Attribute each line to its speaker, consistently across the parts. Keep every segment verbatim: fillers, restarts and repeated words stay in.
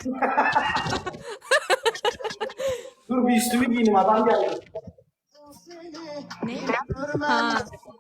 Speaker 1: Dur bir üstümü giyeyim, adam geldi.
Speaker 2: Ne? Ha.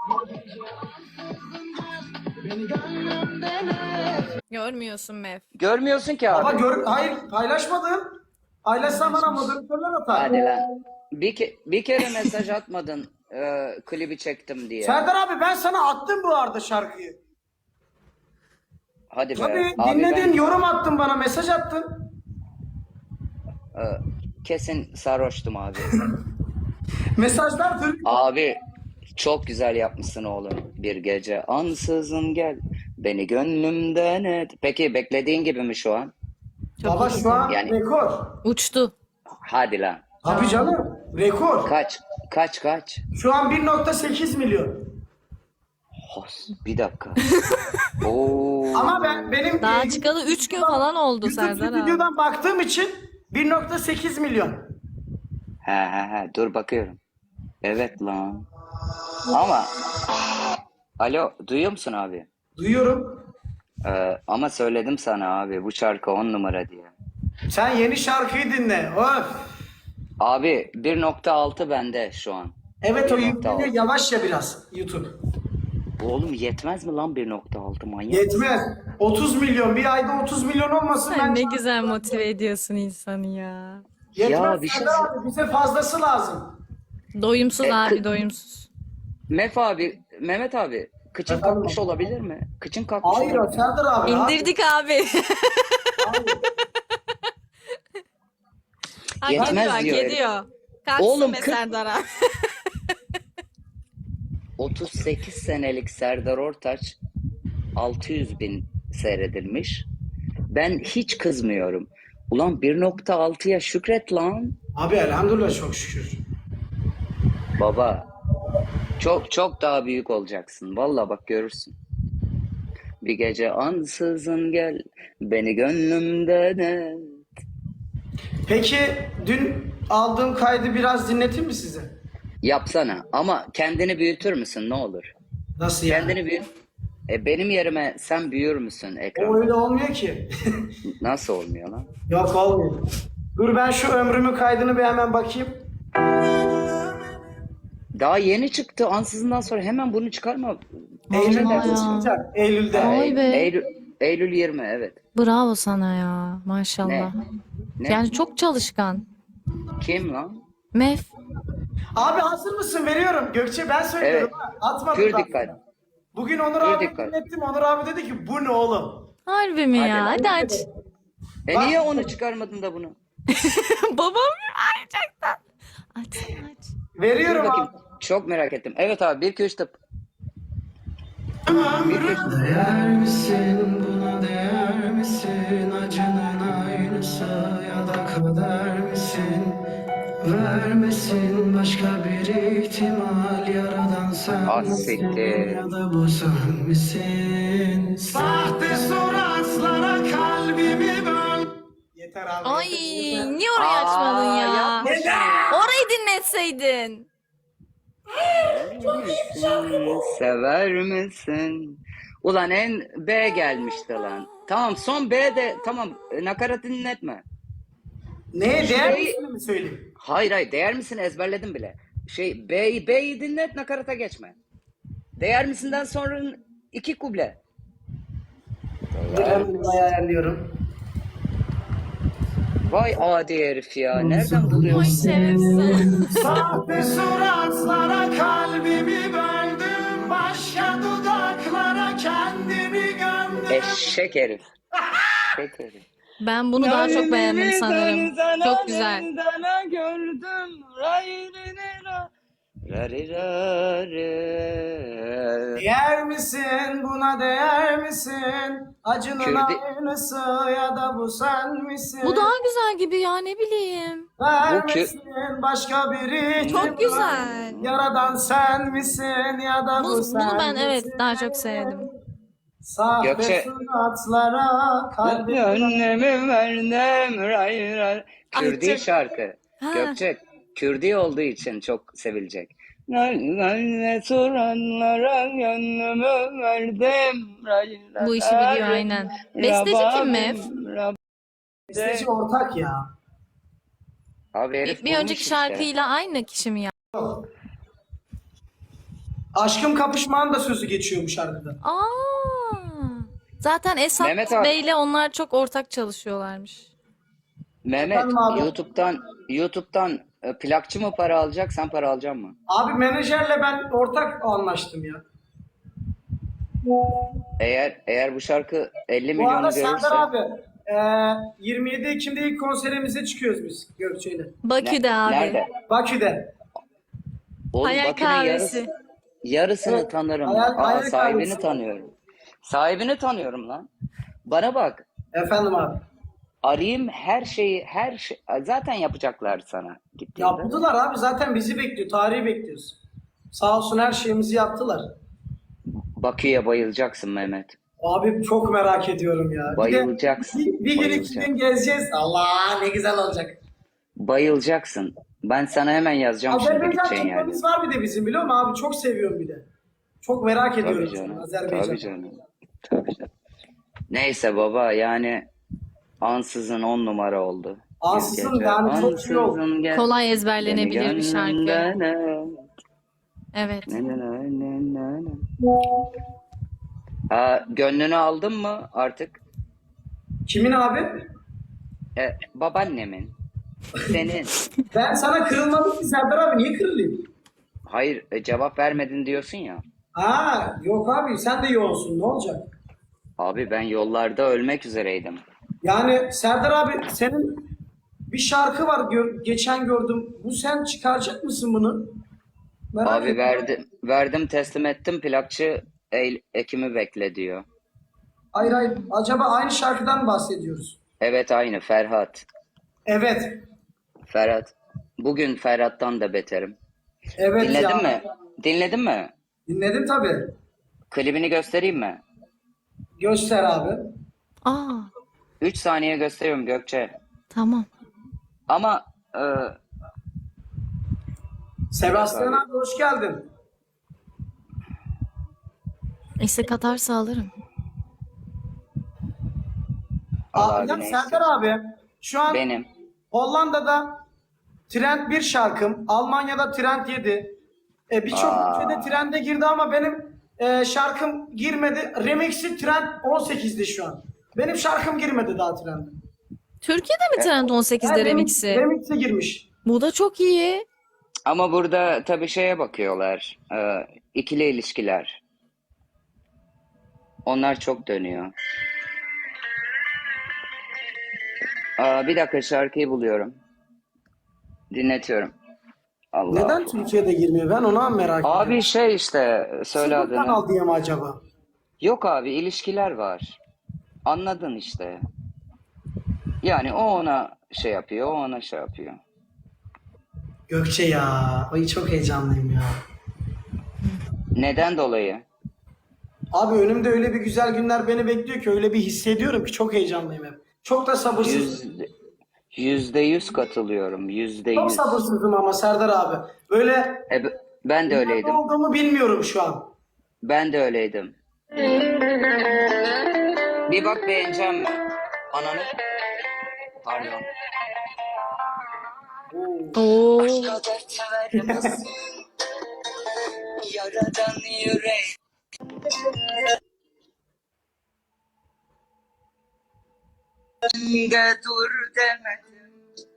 Speaker 2: Görmüyorsun Mev.
Speaker 3: Görmüyorsun ki
Speaker 1: Ama
Speaker 3: abi.
Speaker 1: gör, hayır paylaşmadım. Paylaşsam bana moderatörler atar.
Speaker 3: Hadi lan. Bir, ke bir kere mesaj atmadın e, klibi çektim diye.
Speaker 1: Serdar abi ben sana attım bu arada şarkıyı.
Speaker 3: Hadi be.
Speaker 1: Tabii
Speaker 3: Abi
Speaker 1: dinledin,
Speaker 3: ben
Speaker 1: yorum attın bana, mesaj attın.
Speaker 3: e, kesin sarhoştum abi.
Speaker 1: Mesajlar duruyor.
Speaker 3: Abi çok güzel yapmışsın oğlum. Bir gece ansızın gel. Beni gönlümden et. Peki beklediğin gibi mi şu an?
Speaker 2: Çok
Speaker 1: Baba
Speaker 2: iyi.
Speaker 1: şu an
Speaker 3: Yani-
Speaker 1: rekor.
Speaker 2: Uçtu.
Speaker 3: Hadi lan.
Speaker 1: Tabii canım, rekor.
Speaker 3: Kaç? Kaç kaç?
Speaker 1: Şu an bir nokta sekiz milyon.
Speaker 3: Hos, bir dakika. Oo.
Speaker 1: Ama ben benim
Speaker 2: Daha
Speaker 1: e,
Speaker 2: çıkalı üç gün falan oldu
Speaker 1: YouTube
Speaker 2: Serdar abi.
Speaker 1: videodan baktığım için bir nokta sekiz milyon.
Speaker 3: He he he dur bakıyorum. Evet lan. Ama alo duyuyor musun abi?
Speaker 1: Duyuyorum.
Speaker 3: Ee, ama söyledim sana abi bu şarkı on numara diye.
Speaker 1: Sen yeni şarkıyı dinle. Of.
Speaker 3: Abi bir nokta altı bende şu an.
Speaker 1: Evet o
Speaker 3: bir nokta
Speaker 1: yükleniyor
Speaker 3: altı.
Speaker 1: yavaş ya biraz YouTube.
Speaker 3: Oğlum yetmez mi lan bir nokta altı manyak?
Speaker 1: Yetmez. otuz milyon. Bir ayda otuz milyon olmasın
Speaker 2: Sen
Speaker 1: ben.
Speaker 2: ne güzel motive ediyorsun insanı ya.
Speaker 1: Yetmez.
Speaker 3: Ya bir şey
Speaker 1: Serdar abi, bize fazlası lazım.
Speaker 2: Doyumsuz
Speaker 3: E,
Speaker 2: abi
Speaker 3: kı-
Speaker 2: doyumsuz.
Speaker 3: Mef abi, Mehmet abi kıçın
Speaker 1: Efendim?
Speaker 3: kalkmış olabilir mi? Kıçın kalkmış
Speaker 1: Hayır
Speaker 3: olabilir mi?
Speaker 1: Serdar abi.
Speaker 2: İndirdik abi.
Speaker 1: Hayır.
Speaker 2: Hak
Speaker 3: Yetmez
Speaker 2: ediyor, hak
Speaker 3: diyor herif.
Speaker 2: ediyor. Kalksın
Speaker 3: Oğlum,
Speaker 2: be
Speaker 3: kırk-
Speaker 2: Serdar abi.
Speaker 3: otuz sekiz senelik Serdar Ortaç altı yüz bin seyredilmiş. Ben hiç kızmıyorum. Ulan bir nokta altıya şükret lan.
Speaker 1: Abi elhamdülillah çok şükür.
Speaker 3: Baba çok çok daha büyük olacaksın. Vallahi bak görürsün. Bir gece ansızın gel beni gönlümden et.
Speaker 1: Peki dün aldığım kaydı biraz dinleteyim mi size?
Speaker 3: Yapsana ama kendini büyütür müsün ne olur?
Speaker 1: Nasıl yani?
Speaker 3: Kendini büyüt. E, benim yerime sen büyür müsün
Speaker 1: O
Speaker 3: ekranda?
Speaker 1: öyle olmuyor ki.
Speaker 3: Nasıl olmuyor lan?
Speaker 1: Yok olmuyor. Dur ben şu ömrümün kaydını bir hemen bakayım.
Speaker 3: Daha yeni çıktı. Ansızından sonra hemen bunu çıkarma.
Speaker 1: Eylül'de
Speaker 2: ya.
Speaker 1: çıkacak. Eylül'de.
Speaker 3: Ha,
Speaker 2: Vay
Speaker 3: Eylül,
Speaker 2: be.
Speaker 3: Eylül, Eylül yirmi evet.
Speaker 2: Bravo sana ya. Maşallah.
Speaker 3: Ne?
Speaker 2: Yani çok çalışkan.
Speaker 3: Kim lan?
Speaker 2: Mev.
Speaker 1: Abi hazır mısın? Veriyorum. Gökçe ben söylüyorum.
Speaker 3: Evet.
Speaker 1: Ha. Atmadım
Speaker 3: Pür
Speaker 1: daha
Speaker 3: dikkat.
Speaker 1: sonra. Bugün Onur
Speaker 3: Pür
Speaker 1: abi
Speaker 3: dikkat.
Speaker 1: dinlettim. Onur abi dedi ki bu ne oğlum?
Speaker 2: Harbi mi ya?
Speaker 3: Hadi
Speaker 2: Hadi aç.
Speaker 3: E
Speaker 1: Bak-
Speaker 3: niye onu çıkarmadın da bunu?
Speaker 2: Babam gerçekten. Aç aç.
Speaker 3: Dur
Speaker 1: Veriyorum
Speaker 3: bakayım.
Speaker 1: abi.
Speaker 3: Çok merak ettim. Evet abi bir iki üç tıp. Bir iki üç tıp.
Speaker 4: Değer misin buna değer misin acının aynısı ya da kader misin vermesin başka bir ihtimal yaradan sen
Speaker 3: Ah,
Speaker 4: misin
Speaker 3: siktir.
Speaker 4: ya da bu sen misin sahte suratlara kalbimi böl.
Speaker 1: Yeter abi.
Speaker 2: Ay
Speaker 1: yeter.
Speaker 2: niye orayı açmadın
Speaker 3: Aa,
Speaker 2: ya?
Speaker 3: yapma şunu ya.
Speaker 2: Orayı dinletseydin.
Speaker 3: Sever misin? Ulan en B gelmişti lan. Tamam son B de tamam e, nakarat dinletme.
Speaker 1: Neye değer
Speaker 3: Şey-
Speaker 1: misin mi söyleyeyim?
Speaker 3: Hayır hayır değer misin ezberledim bile. Şey B'yi B'yi dinlet nakarata geçme. Değer misinden sonra iki kuble.
Speaker 1: Ben bunu ayarlıyorum.
Speaker 3: Vay adi herif ya. Nereden
Speaker 2: Ay
Speaker 3: buluyorsun?
Speaker 2: şerefsiz.
Speaker 1: Sahte suratlara kalbimi böldüm. Başka dudaklara kendimi gömdüm.
Speaker 3: Eşek herif. Eşek herif.
Speaker 2: Ben bunu daha çok beğendim sanırım. Çok güzel.
Speaker 3: gördüm. Rari
Speaker 1: Değer misin buna değer misin? Acının
Speaker 3: Kürdi-
Speaker 1: aynısı ya da bu sen misin?
Speaker 2: Bu daha güzel gibi ya ne bileyim.
Speaker 1: Vermesin başka biri.
Speaker 2: Çok güzel.
Speaker 1: Yaradan sen misin ya da bu,
Speaker 2: Bunu,
Speaker 1: sen
Speaker 2: bunu ben evet
Speaker 1: misin?
Speaker 2: daha çok sevdim.
Speaker 1: Sahte
Speaker 3: Gökçe-
Speaker 1: suratlara kalbimi
Speaker 3: Gönlümü verdim. Ray ray.
Speaker 2: Ay,
Speaker 3: Kürdi
Speaker 2: çok-
Speaker 3: şarkı.
Speaker 2: Ha.
Speaker 3: Gökçek. Kürdi olduğu için çok sevilecek. Ne soranlara gönlümü verdim. Ray ray.
Speaker 2: Bu işi biliyor aynen. Besteci kim Mev?
Speaker 3: Rababim,
Speaker 1: Besteci ortak ya.
Speaker 3: Abi herif
Speaker 2: Bir, bir
Speaker 3: bulmuş
Speaker 2: önceki
Speaker 3: işte.
Speaker 2: şarkıyla aynı kişi mi ya?
Speaker 1: Aşkım Kapışmağın da sözü geçiyor bu şarkıda.
Speaker 2: Aa. Zaten Esat
Speaker 3: Mehmet abi.
Speaker 2: Bey'le onlar çok ortak çalışıyorlarmış.
Speaker 3: Mehmet
Speaker 1: Efendim abi?
Speaker 3: YouTube'dan YouTube'dan e, plakçı mı para alacak, sen para alacak mı?
Speaker 1: Abi menajerle ben ortak anlaştım ya.
Speaker 3: Eğer eğer bu şarkı elli
Speaker 1: Bu
Speaker 3: milyonu
Speaker 1: arada
Speaker 3: görürse
Speaker 1: Serdar abi e, yirmi yedi Ekim'de ilk konserimize çıkıyoruz biz Gökçe'yle.
Speaker 2: Bakü'de
Speaker 3: Ne-
Speaker 2: abi.
Speaker 3: nerede?
Speaker 1: Bakü'de.
Speaker 3: Oğlum
Speaker 2: Hayal
Speaker 3: Bakü'nün
Speaker 2: kahvesi.
Speaker 3: yarısı, yarısını
Speaker 1: Evet,
Speaker 3: tanırım.
Speaker 1: hayal-
Speaker 3: Aa,
Speaker 1: hayal
Speaker 3: sahibini
Speaker 1: kahvesi.
Speaker 3: tanıyorum. Sahibini tanıyorum lan. Bana bak.
Speaker 1: Efendim abi.
Speaker 3: Arayayım her şeyi, her şey zaten yapacaklar sana gittiğinde.
Speaker 1: Yaptılar abi, zaten bizi bekliyor. Tarihi bekliyoruz. Sağ olsun her şeyimizi yaptılar.
Speaker 3: Bakü'ye bayılacaksın Mehmet.
Speaker 1: Abi çok merak ediyorum ya. Bir de
Speaker 3: Bayılacaksın.
Speaker 1: bir, bir gün iki
Speaker 3: Bayılacaksın.
Speaker 1: gün gezeceğiz. Allah ne güzel olacak.
Speaker 3: Bayılacaksın. Ben sana hemen yazacağım şimdi
Speaker 1: Azerbaycan
Speaker 3: gideceğin yerde.
Speaker 1: kitlemiz var bir de bizim, biliyor musun abi? Çok seviyorum bir de. Çok merak ediyorum
Speaker 3: Tabii
Speaker 1: seni,
Speaker 3: canım.
Speaker 1: Azerbaycan.
Speaker 3: Tabii canım. Tabii canım. Neyse baba yani ansızın on numara oldu.
Speaker 1: Ansızın
Speaker 3: Bir gece
Speaker 1: yani çok iyi oldu.
Speaker 3: ansızın gel-
Speaker 2: Kolay
Speaker 3: beni
Speaker 2: ezberlenebilir bir şarkı.
Speaker 3: gönlümden al.
Speaker 2: Evet.
Speaker 3: Ne ne ne ne ne ne. Aa, gönlünü aldın mı artık?
Speaker 1: Kimin abi?
Speaker 3: E, babaannemin. Senin.
Speaker 1: Ben sana kırılmadım ki Serdar abi, niye kırılayım?
Speaker 3: Hayır e, cevap vermedin diyorsun ya.
Speaker 1: Ha yok abi, sen de yoğunsun, ne olacak?
Speaker 3: Abi ben yollarda ölmek üzereydim.
Speaker 1: Yani Serdar abi, senin bir şarkı var, gör- geçen gördüm. Bu sen çıkaracak mısın bunu? Merak
Speaker 3: Abi
Speaker 1: ettim.
Speaker 3: verdim, verdim teslim ettim plakçı Eylül, Ekim'i bekle diyor.
Speaker 1: Hayır hayır, acaba aynı şarkıdan mı bahsediyoruz?
Speaker 3: Evet aynı Ferhat.
Speaker 1: Evet.
Speaker 3: Ferhat. Bugün Ferhat'tan da beterim.
Speaker 1: Evet
Speaker 3: Dinledin
Speaker 1: ya.
Speaker 3: mi? Dinledin mi?
Speaker 1: Dinledim tabii.
Speaker 3: Klibini göstereyim mi?
Speaker 1: Göster abi.
Speaker 2: Aa,
Speaker 3: üç saniye gösteriyorum Gökçe.
Speaker 2: tamam.
Speaker 3: Ama e,
Speaker 1: Sebastian
Speaker 3: Abi.
Speaker 1: abi hoş geldin.
Speaker 2: İstek atarsa alırım.
Speaker 3: al
Speaker 1: Aa,
Speaker 3: abi
Speaker 1: ya
Speaker 3: ne
Speaker 1: Serdar
Speaker 3: istiyorsun?
Speaker 1: abi, şu an
Speaker 3: Benim.
Speaker 1: Hollanda'da Trend bir şarkım, Almanya'da Trend yedi. E, Birçok
Speaker 3: Aa.
Speaker 1: ülkede Trend'e girdi ama benim e, şarkım girmedi. Remix'i Trend on sekizde şu an. Benim şarkım girmedi daha Trend'e.
Speaker 2: Türkiye'de mi Trend on sekizde
Speaker 1: Yani
Speaker 2: remix'i?
Speaker 1: Remix'e girmiş.
Speaker 2: Bu da çok iyi.
Speaker 3: Ama burada tabii şeye bakıyorlar. E, ikili ilişkiler. Onlar çok dönüyor. Aa, bir dakika şarkıyı buluyorum. Dinletiyorum. Allah
Speaker 1: Neden
Speaker 3: Allah.
Speaker 1: Türkiye'de girmiyor? Ben ona merak ediyorum.
Speaker 3: Abi şey işte söyle
Speaker 1: Sıfır
Speaker 3: adını.
Speaker 1: kanal diye mi acaba?
Speaker 3: Yok abi ilişkiler var. Anladın işte. Yani o ona şey yapıyor, o ona şey yapıyor.
Speaker 1: Gökçe ya. Ay çok heyecanlıyım ya.
Speaker 3: Neden dolayı?
Speaker 1: Abi önümde öyle bir güzel günler beni bekliyor ki, öyle bir hissediyorum ki çok heyecanlıyım hep. Çok da sabırsızım.
Speaker 3: Yüzde, yüzde yüz katılıyorum. Yüzde
Speaker 1: Çok
Speaker 3: yüz.
Speaker 1: sabırsızım ama Serdar abi. Böyle
Speaker 3: E, b- ben de
Speaker 1: ne
Speaker 3: öyleydim.
Speaker 1: olduğumu bilmiyorum şu an.
Speaker 3: Ben de öyleydim. Bir bak beğeneceğim mi? Ananı. Pardon.
Speaker 2: Oo.
Speaker 3: Başka dert vermesin. Yaradan yürek. De dur demedim.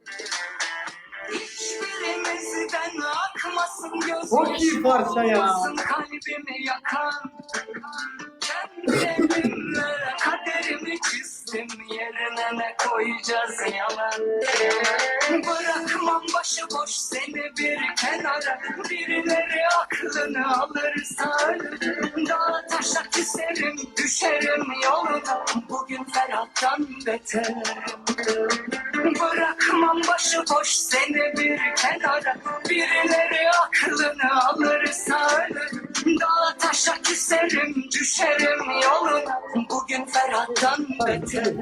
Speaker 3: Hiçbirimizden akmasın gözüm.
Speaker 1: Çok iyi parça ya.
Speaker 3: Olmasın kalbimi yakan. Kendi elimle kaderimi çizdim. Yerine ne koyacağız yalan. Bırakmam başıboş seni bir kenara. Birileri aklını alırsa ölürüm. Dağa taşa küserim, düşerim yoluna. Bugün Ferhat'tan beterim. Bırakmam başıboş seni bir kenara. Birileri aklını alırsa ölürüm. Dağa taşa küserim, düşerim yoluna. Bugün Ferhat'tan beterim.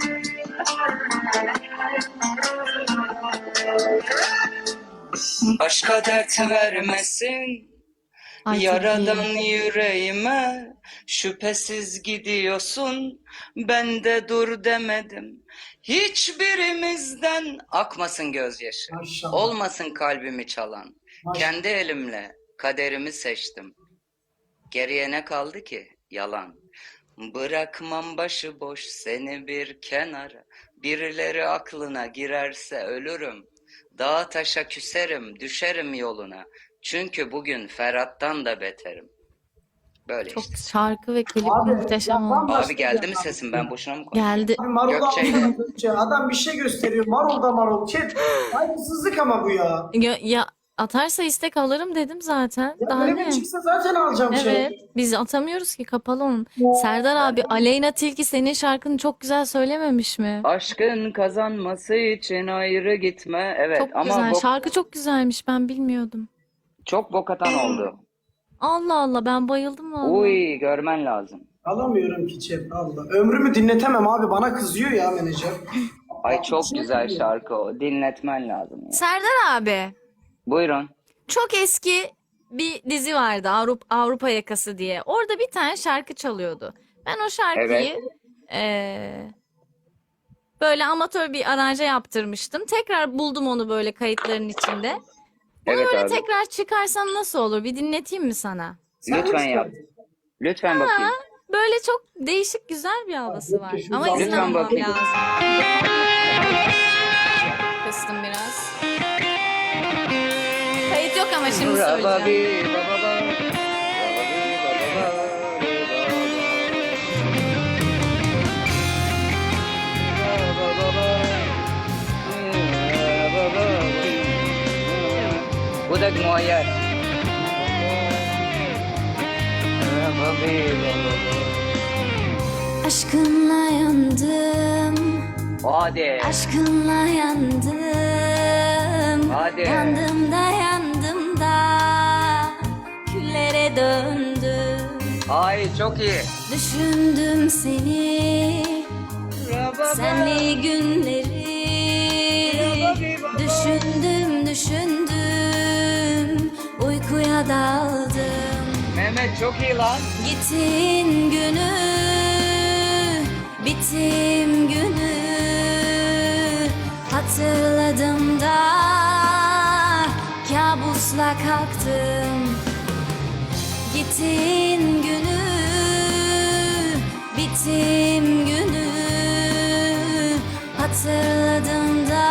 Speaker 3: Başka başka dert vermesin.
Speaker 2: Ay, çok
Speaker 3: Yaradan
Speaker 2: iyi.
Speaker 3: yüreğime şüphesiz gidiyorsun. Ben de dur demedim. Hiçbirimizden akmasın gözyaşı.
Speaker 1: Maşallah.
Speaker 3: Olmasın kalbimi çalan.
Speaker 1: Maşallah.
Speaker 3: Kendi elimle kaderimi seçtim. Geriye ne kaldı ki? Yalan. Bırakmam başıboş seni bir kenara. Birileri aklına girerse ölürüm. Dağa taşa küserim, düşerim yoluna. Çünkü bugün Ferhat'tan da beterim. Böyle
Speaker 2: Çok
Speaker 3: işte.
Speaker 2: şarkı ve klip
Speaker 1: Abi,
Speaker 2: muhteşem
Speaker 1: ya
Speaker 2: oldu.
Speaker 1: bambaşka
Speaker 3: Abi geldi
Speaker 1: bir
Speaker 3: mi
Speaker 1: adam.
Speaker 3: sesim? Ben boşuna mı konuşuyorum?
Speaker 2: Geldi.
Speaker 1: Abi Marul'u
Speaker 3: Gökçe'yle.
Speaker 1: anlamadıkça adam bir şey gösteriyor. Marul da Marul. Chat. Saygısızlık ama bu ya.
Speaker 2: Ya, ya atarsa istek alırım dedim zaten.
Speaker 1: Ya
Speaker 2: Daha
Speaker 1: öyle
Speaker 2: ne?
Speaker 1: bir çıksa zaten alacağım şey.
Speaker 2: Evet. Biz atamıyoruz ki, kapalı onun. Serdar abi, Aleyna Tilki senin şarkını çok güzel söylememiş mi?
Speaker 3: Aşkın kazanması için ayrı gitme. Evet
Speaker 2: Çok
Speaker 3: ama
Speaker 2: güzel.
Speaker 3: bok-
Speaker 2: Şarkı çok güzelmiş. Ben bilmiyordum.
Speaker 3: çok bok atan oldu.
Speaker 2: Allah Allah, ben bayıldım valla.
Speaker 3: Uy görmen lazım.
Speaker 1: Alamıyorum ki chat. Allah. Ömrümü dinletemem abi. Bana kızıyor ya menajer.
Speaker 3: Ay çok güzel şarkı o. Dinletmen lazım ya.
Speaker 2: Serdar abi,
Speaker 3: Buyurun.
Speaker 2: çok eski bir dizi vardı, Avrupa, Avrupa Yakası diye. Orada bir tane şarkı çalıyordu. Ben o şarkıyı
Speaker 3: Evet.
Speaker 2: eee, böyle amatör bir aranje yaptırmıştım. Tekrar buldum onu böyle kayıtların içinde. Bunu
Speaker 3: Evet
Speaker 2: böyle
Speaker 3: abi.
Speaker 2: tekrar çıkarsam nasıl olur? Bir dinleteyim mi sana?
Speaker 1: Sen
Speaker 3: Lütfen
Speaker 1: mi
Speaker 3: yap.
Speaker 1: istedin?
Speaker 3: Lütfen bakayım.
Speaker 2: Böyle çok değişik, güzel bir havası var.
Speaker 1: Lütfen
Speaker 2: Ama izin
Speaker 3: Lütfen
Speaker 2: almam
Speaker 3: bakayım.
Speaker 2: lazım. Kıstım biraz. Kayıt yok ama şimdi söyleyeceğim.
Speaker 3: Rababi, bababa, rababi, bababa, rababa, rababa. Bu da muayyer. Rababi, bababa.
Speaker 5: Aşkınla yandım,
Speaker 3: Hadi.
Speaker 5: aşkınla yandım.
Speaker 3: Hadi.
Speaker 5: Yandım da yandım da küllere döndüm.
Speaker 3: Ay çok iyi.
Speaker 5: Düşündüm seni,
Speaker 3: Rababa.
Speaker 5: senli günleri. Düşündüm, düşündüm, uykuya daldım.
Speaker 3: Mehmet çok iyi lan.
Speaker 5: Gittin günü, bittim günü hatırladım da kabusla kalktım. Gittin günü, bittim günü hatırladım da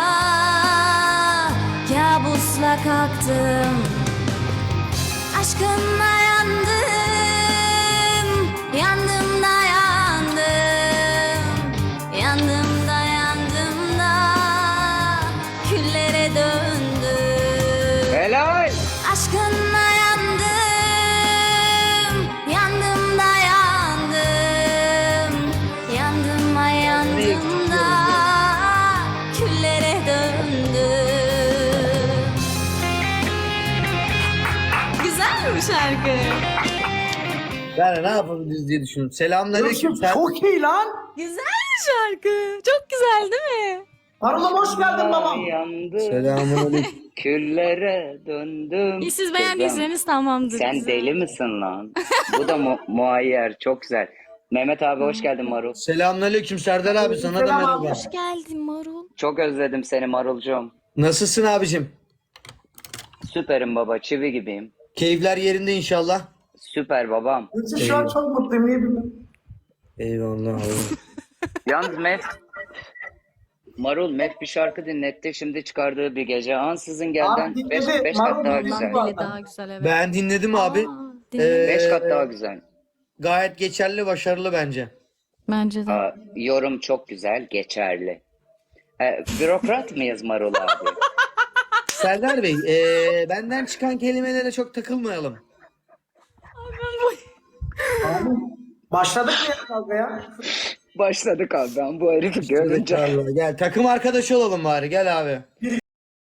Speaker 5: kabusla kalktım. Aşkınla yandım, yandım da yandım, yandım da yandım da küllere döndüm.
Speaker 3: Helal.
Speaker 5: Aşkınla yandım, yandım da yandım, yandım da yandım da küllere döndüm.
Speaker 2: Güzel mi bu şarkı?
Speaker 6: Yani ne yapabiliriz diye düşündüm. Selamünaleyküm. Sen...
Speaker 1: Çok iyi lan.
Speaker 2: Güzel bir şarkı. Çok güzel değil mi?
Speaker 1: Marul'um hoş geldin babam.
Speaker 3: Yandı.
Speaker 6: Selamünaleyküm.
Speaker 3: Küllere döndüm.
Speaker 2: İyi, siz
Speaker 3: Kızım,
Speaker 2: beğendiyseniz tamamdır.
Speaker 3: sen
Speaker 2: Güzel.
Speaker 3: deli misin lan? Bu da mu muayyer. Çok güzel. Mehmet abi hoş geldin Marul.
Speaker 6: Selamünaleyküm Serdar abi, sana da
Speaker 1: Selam
Speaker 6: merhaba.
Speaker 1: abi.
Speaker 2: Hoş geldin Marul.
Speaker 3: Çok özledim seni Marulcuğum.
Speaker 6: Nasılsın abicim?
Speaker 3: Süperim baba. Çivi gibiyim.
Speaker 6: Keyifler yerinde inşallah.
Speaker 3: Süper babam.
Speaker 1: Yoksa şu an çok mutluyum. Niye bilmem.
Speaker 6: Eyvallah abi.
Speaker 3: Yalnız Mef Marul Mef bir şarkı dinletti. Şimdi çıkardığı bir gece. Ansızın
Speaker 1: Abi
Speaker 3: gelden
Speaker 1: dinledi.
Speaker 3: beş beş
Speaker 1: Marul
Speaker 3: kat daha
Speaker 1: dinledi
Speaker 3: güzel.
Speaker 1: bu arada.
Speaker 2: Dili daha güzel, evet.
Speaker 6: Ben dinledim abi.
Speaker 2: Aa, dinledim.
Speaker 3: Beş kat
Speaker 6: Ee,
Speaker 3: daha güzel.
Speaker 6: Gayet geçerli, başarılı bence.
Speaker 2: Bence de.
Speaker 3: Aa, yorum çok güzel, geçerli. Ee, bürokrat mıyız Marul abi?
Speaker 6: Serdar Bey, ee, benden çıkan kelimelere çok takılmayalım.
Speaker 1: Abi, başladık mı ya kavgaya?
Speaker 3: Başladık abi ben bu herifi görünce.
Speaker 6: Gel takım arkadaşı olalım bari, gel abi.